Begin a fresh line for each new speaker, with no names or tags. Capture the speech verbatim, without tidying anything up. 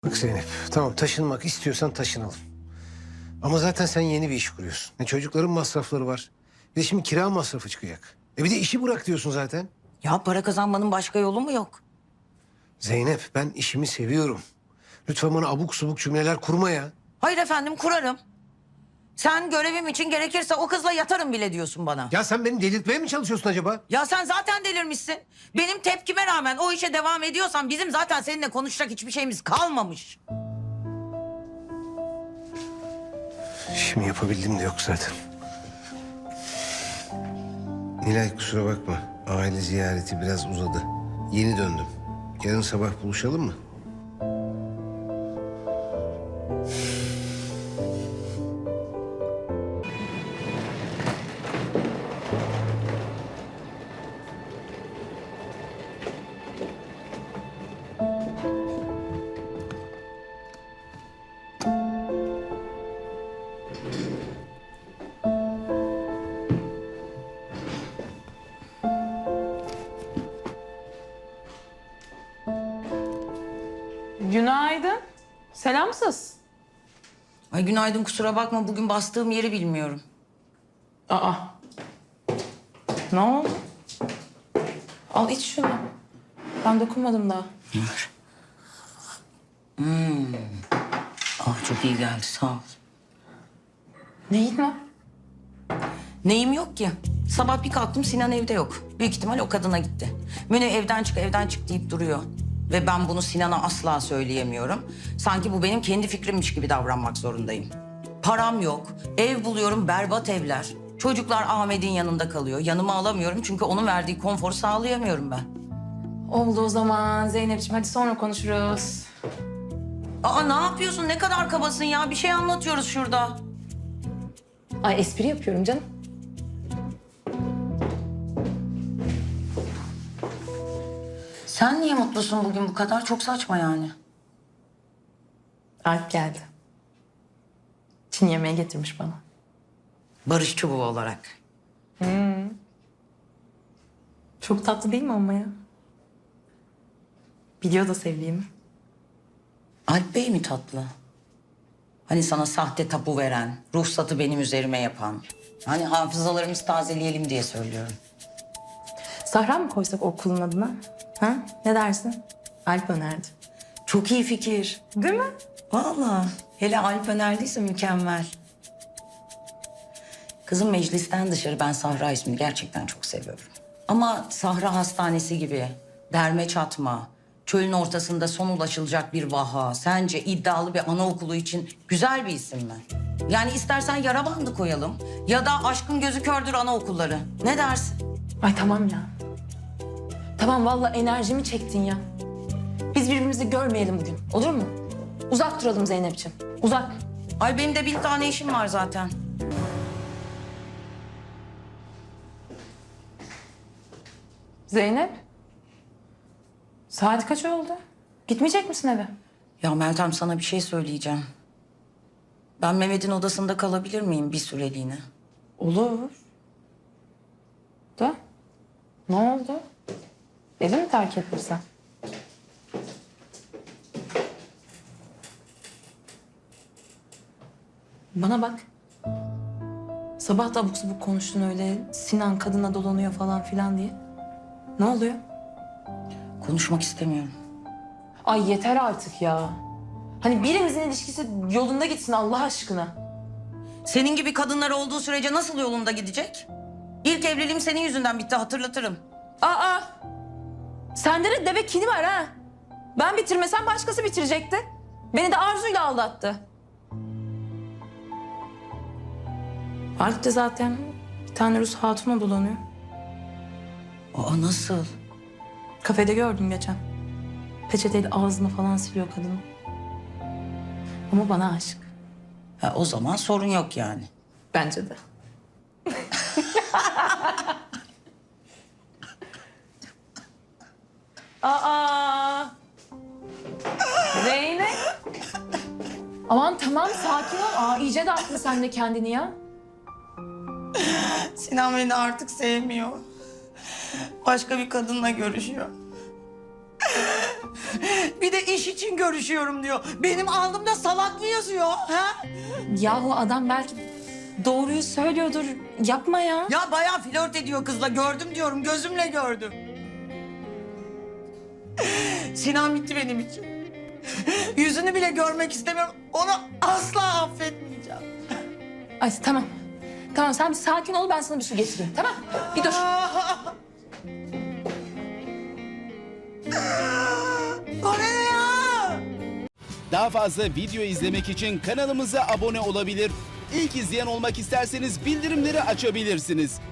Bak Zeynep, tamam taşınmak istiyorsan taşınalım. Ama zaten sen yeni bir iş kuruyorsun. E, çocukların masrafları var. Bir de şimdi kira masrafı çıkacak. E bir de işi bırak diyorsun zaten.
Ya para kazanmanın başka yolu mu yok?
Zeynep, ben işimi seviyorum. Lütfen bana abuk subuk cümleler kurma ya.
Hayır efendim kurarım. Sen görevim için gerekirse o kızla yatarım bile diyorsun bana.
Ya sen beni delirtmeye mi çalışıyorsun acaba?
Ya sen zaten delirmişsin. Benim tepkime rağmen o işe devam ediyorsan bizim zaten seninle konuşacak hiçbir şeyimiz kalmamış.
İşimi yapabildim de yok zaten. Nilay kusura bakma. Aile ziyareti biraz uzadı. Yeni döndüm. Yarın sabah buluşalım mı?
Günaydın. Selamsız.
Ay günaydın, kusura bakma bugün bastığım yeri bilmiyorum.
Aa. Ne oldu? Al iç şunu. Ben dokunmadım daha.
Hmm. Ah çok iyi geldi, sağ ol.
Neyin var?
Neyim yok ki? Sabah bir kalktım Sinan evde yok. Büyük ihtimal o kadına gitti. Münir evden çık evden çık deyip duruyor. Ve ben bunu Sinan'a asla söyleyemiyorum. Sanki bu benim kendi fikrimmiş gibi davranmak zorundayım. Param yok, ev buluyorum berbat evler. Çocuklar Ahmet'in yanında kalıyor. Yanıma alamıyorum çünkü onun verdiği konforu sağlayamıyorum ben.
Oldu o zaman Zeynep'ciğim. Hadi sonra konuşuruz.
Aa ne yapıyorsun? Ne kadar kabasın ya? Bir şey anlatıyoruz şurada.
Ay espri yapıyorum canım.
Sen niye mutlusun bugün bu kadar? Çok saçma yani.
Alp geldi. Çin yemeği getirmiş bana.
Barış çubuğu olarak.
Çok tatlı değil mi ama ya? Biliyor da sevdiğimi.
Alp Bey mi tatlı? Hani sana sahte tapu veren, ruhsatı benim üzerime yapan. Hani hafızalarımızı tazeleyelim diye söylüyorum.
Sahra mı koysak okulun adına? Ha? Ne dersin? Alp önerdi.
Çok iyi fikir.
Değil mi?
Vallahi. Hele Alp önerdiyse mükemmel. Kızım meclisten dışarı ben Sahra ismini gerçekten çok seviyorum. Ama Sahra Hastanesi gibi derme çatma, çölün ortasında son ulaşılacak bir vaha, sence iddialı bir anaokulu için güzel bir isim mi? Yani istersen yara bandı koyalım ya da aşkın gözü kördür anaokulları. Ne dersin?
Ay tamam ya. Tamam vallahi enerjimi çektin ya. Biz birbirimizi görmeyelim bugün. Olur mu? Uzak duralım Zeynep'ciğim. Uzak.
Ay benim de bin tane işim var zaten.
Zeynep. Saat kaç oldu? Gitmeyecek misin eve?
Ya Meltem sana bir şey söyleyeceğim. Ben Mehmet'in odasında kalabilir miyim bir süreliğine?
Olur. Da? Ne oldu? Evi mi terk ettin sen? Bana bak. Sabah da abuk sabuk konuştun öyle. Sinan kadına dolanıyor falan filan diye. Ne oluyor?
Konuşmak istemiyorum.
Ay yeter artık ya. Hani birimizin ilişkisi yolunda gitsin Allah aşkına.
Senin gibi kadınlar olduğu sürece nasıl yolunda gidecek? İlk evliliğim senin yüzünden bitti, hatırlatırım.
Aa! Sende de deve kini var ha. Ben bitirmesem başkası bitirecekti. Beni de Arzu'yla aldattı. Alp de zaten bir tane Rus hatunla dolanıyor.
Aa nasıl?
Kafede gördüm geçen. Peçeteyle ağzını falan siliyor kadın. Ama bana aşık.
Ha, o zaman sorun yok yani.
Bence de. Aa! Zeynep. Aman tamam sakin ol. Aa, iyice de attın sen de kendini ya.
Sinan beni artık sevmiyor. Başka bir kadınla görüşüyor. Bir de iş için görüşüyorum diyor. Benim alnımda salak mı yazıyor? Ha?
Yahu adam belki doğruyu söylüyordur. Yapma ya.
Ya bayağı flört ediyor kızla. Gördüm diyorum, gözümle gördüm. Sinan bitti benim için. Yüzünü bile görmek istemiyorum. Onu asla affetmeyeceğim.
Ay tamam. Tamam sen bir sakin ol, ben sana bir su getireyim, tamam? Bir dur.
O ne ya?
Daha fazla video izlemek için kanalımıza abone olabilir. İlk izleyen olmak isterseniz bildirimleri açabilirsiniz.